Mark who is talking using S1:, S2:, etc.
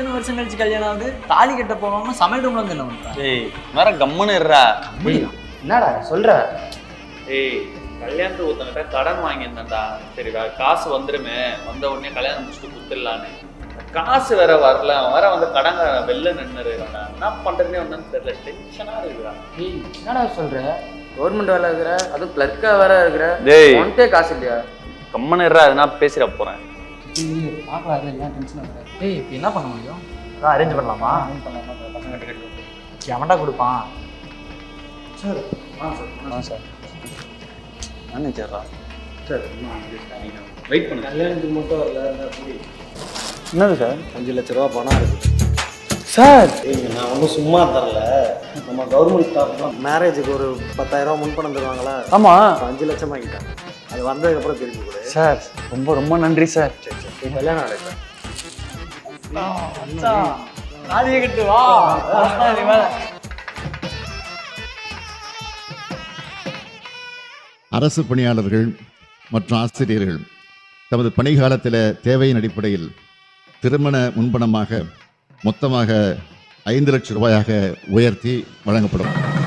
S1: இத்தனை வருஷம் கழிச்சு கல்யாணம் ஆகுது, தாலி கட்ட போகாம சமையல் ரூம்ல வந்து என்ன பண்றான்?
S2: ஏய் வேற கம்முன்னு இருறா.
S3: என்னடா சொல்ற?
S2: ஏய் கல்யாணத்துக்கு ஒருத்தங்கிட்ட கடன் வாங்கியிருந்தேன்டா. சரி வேற காசு வந்துருமே, வந்த உடனே கல்யாணம் முடிச்சுட்டு குத்துடலான்னு. காசு வேற வரல, வேற வந்து கடன் வெளில நின்று இருக்கான். என்ன பண்றதுனே வந்தான்னு தெரியல, டென்ஷனா இருக்குடா.
S3: ஏய் என்னடா சொல்ற? கவர்மெண்ட் வேலை இருக்கிற, அதுவும் கிளர்க்கா வேற இருக்கிற,
S2: டேய்
S3: உன்கிட்டே காசு இல்லையா?
S2: கம்முன்னு இருறா, எதுனா பேசிட போறேன்.
S3: பார்க்கலாம், ஏன் டென்ஷன் ஆகுற?
S1: ஏய் இப்போ என்ன பண்ண முடியும்?
S3: அதான் அரேஞ்ச் பண்ணலாமா?
S1: பசங்க கிட்ட எவன்டா கொடுப்பான்?
S3: சார்
S1: சார்
S2: மேனேஜரா
S3: சார்
S2: வெயிட் பண்ணுங்க.
S3: கல்யாணத்துக்கு மட்டும் வரல.
S2: என்னது சார்?
S3: 5 லட்ச ரூபா பணம் இருக்கு
S2: சார்.
S3: நான் ஒன்றும் சும்மா தரல. நம்ம கவர்மெண்ட் ஸ்டாஃப்லாம் மேரேஜுக்கு ஒரு 10,000 ரூபா முன்பணம் தருவாங்களா?
S2: ஆமா
S3: 5 லட்சம் வாங்கிட்டேன். அது வந்ததுக்கப்புறம் திருப்பி கொடு.
S2: சார். ரொம்ப ரொம்ப நன்றி சார்.
S3: சரி கல்யாணம் நடக்கும்.
S1: தாலியை கட்டு வா. நீ வேற.
S4: அரசு பணியாளர்கள் மற்றும் ஆசிரியர்கள் தமது பணிகாலத்தில் தேவையின் அடிப்படையில் திருமண முன்பணமாக மொத்தமாக 5 லட்சம் ரூபாயாக உயர்த்தி வழங்கப்படும்.